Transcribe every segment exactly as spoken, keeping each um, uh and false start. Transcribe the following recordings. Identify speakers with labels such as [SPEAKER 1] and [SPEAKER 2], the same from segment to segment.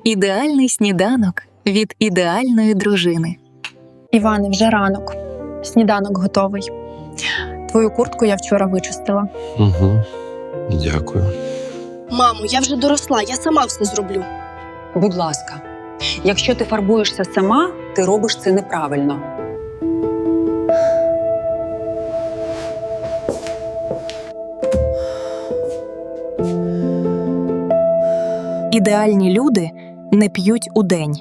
[SPEAKER 1] Ідеальний сніданок від ідеальної дружини.
[SPEAKER 2] Іване, вже ранок. Сніданок готовий. Твою куртку я вчора вичистила.
[SPEAKER 3] Угу. Дякую.
[SPEAKER 4] Мамо, я вже доросла, я сама все зроблю.
[SPEAKER 5] Будь ласка, якщо ти фарбуєшся сама, ти робиш це неправильно.
[SPEAKER 1] Ідеальні люди не п'ють удень.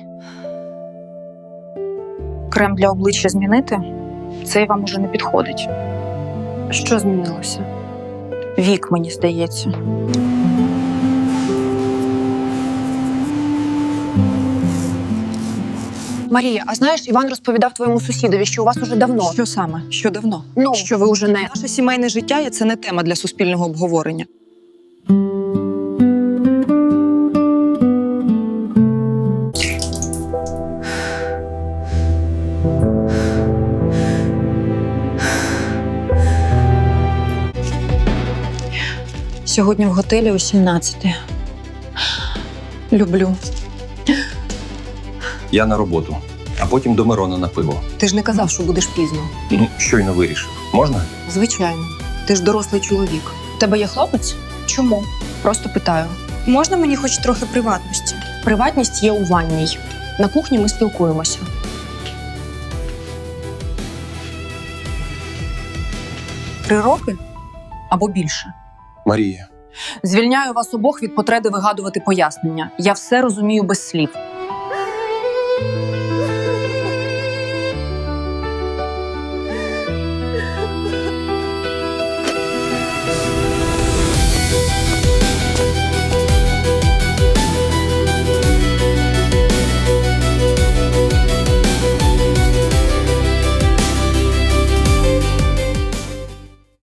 [SPEAKER 2] Крем для обличчя змінити? Цей вам уже не підходить. Що змінилося? Вік, мені здається.
[SPEAKER 6] Марія, а знаєш, Іван розповідав твоєму сусідові, що у вас уже давно.
[SPEAKER 7] Що саме? Що давно?
[SPEAKER 6] Ну,
[SPEAKER 7] Що ви вже не... Наше сімейне життя – це не тема для суспільного обговорення.
[SPEAKER 2] Сьогодні в готелі о сімнадцятій. Люблю.
[SPEAKER 3] Я на роботу, а потім до Мирона на пиво.
[SPEAKER 7] Ти ж не казав, що будеш пізно.
[SPEAKER 3] Ну, щойно вирішив. Можна?
[SPEAKER 7] Звичайно. Ти ж дорослий чоловік.
[SPEAKER 2] У тебе є хлопець? Чому? Просто питаю.
[SPEAKER 4] Можна мені хоч трохи приватності?
[SPEAKER 2] Приватність є у ванній. На кухні ми спілкуємося.
[SPEAKER 5] Три роки або більше.
[SPEAKER 3] Марія.
[SPEAKER 5] Звільняю вас обох від потреби вигадувати пояснення. Я все розумію без слів.